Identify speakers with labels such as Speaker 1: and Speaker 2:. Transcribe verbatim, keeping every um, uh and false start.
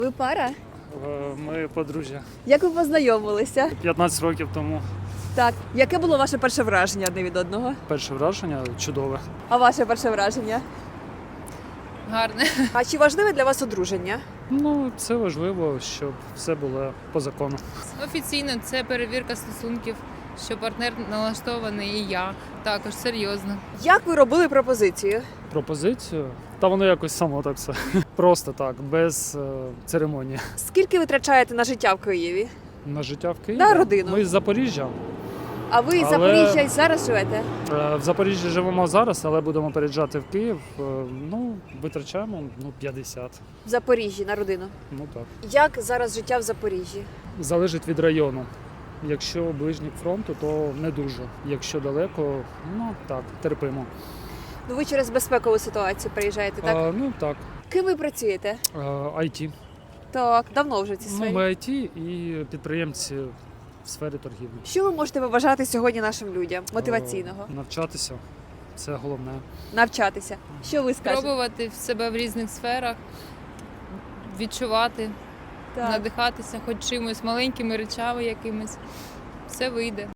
Speaker 1: Ви пара?
Speaker 2: Ми подружжя.
Speaker 1: Як ви познайомилися?
Speaker 2: п'ятнадцять років тому.
Speaker 1: Так. Яке було ваше перше враження одне від одного?
Speaker 2: Перше враження чудове.
Speaker 1: А ваше перше враження?
Speaker 3: Гарне.
Speaker 1: А чи важливе для вас одруження?
Speaker 2: Ну, це важливо, щоб все було по закону.
Speaker 3: Офіційно це перевірка стосунків, що партнер налаштований і я. Також серйозно.
Speaker 1: Як ви робили пропозицію?
Speaker 2: Пропозицію. Та воно якось само так все. Просто так, без е, церемонії.
Speaker 1: Скільки ви витрачаєте на життя в Києві?
Speaker 2: На життя в Києві.
Speaker 1: На родину.
Speaker 2: Ми з Запоріжжя.
Speaker 1: А ви з
Speaker 2: Але-
Speaker 1: Запоріжжя і зараз живете?
Speaker 2: Е, В Запоріжжі живемо зараз, але будемо переїжджати в Київ. Е, Ну, витрачаємо ну, п'ятдесят.
Speaker 1: В Запоріжжі на родину.
Speaker 2: Ну так.
Speaker 1: Як зараз життя в Запоріжжі?
Speaker 2: Залежить від району. Якщо ближній к фронту, то не дуже. Якщо далеко, ну так, терпимо.
Speaker 1: Ну ви через безпекову ситуацію приїжджаєте, так?
Speaker 2: А, ну так,
Speaker 1: Ким ви працюєте?
Speaker 2: ай ті.
Speaker 1: Так, давно вже в цій
Speaker 2: Ну,
Speaker 1: сфері.
Speaker 2: ми ай ті і підприємці в сфері торгівлі.
Speaker 1: Що ви можете побажати сьогодні нашим людям мотиваційного?
Speaker 2: Е, Навчатися це головне.
Speaker 1: Навчатися. Що ви скажете?
Speaker 3: Пробувати себе в різних сферах, відчувати,
Speaker 1: Так.
Speaker 3: надихатися хоч чимось, маленькими речами якимись. Все вийде.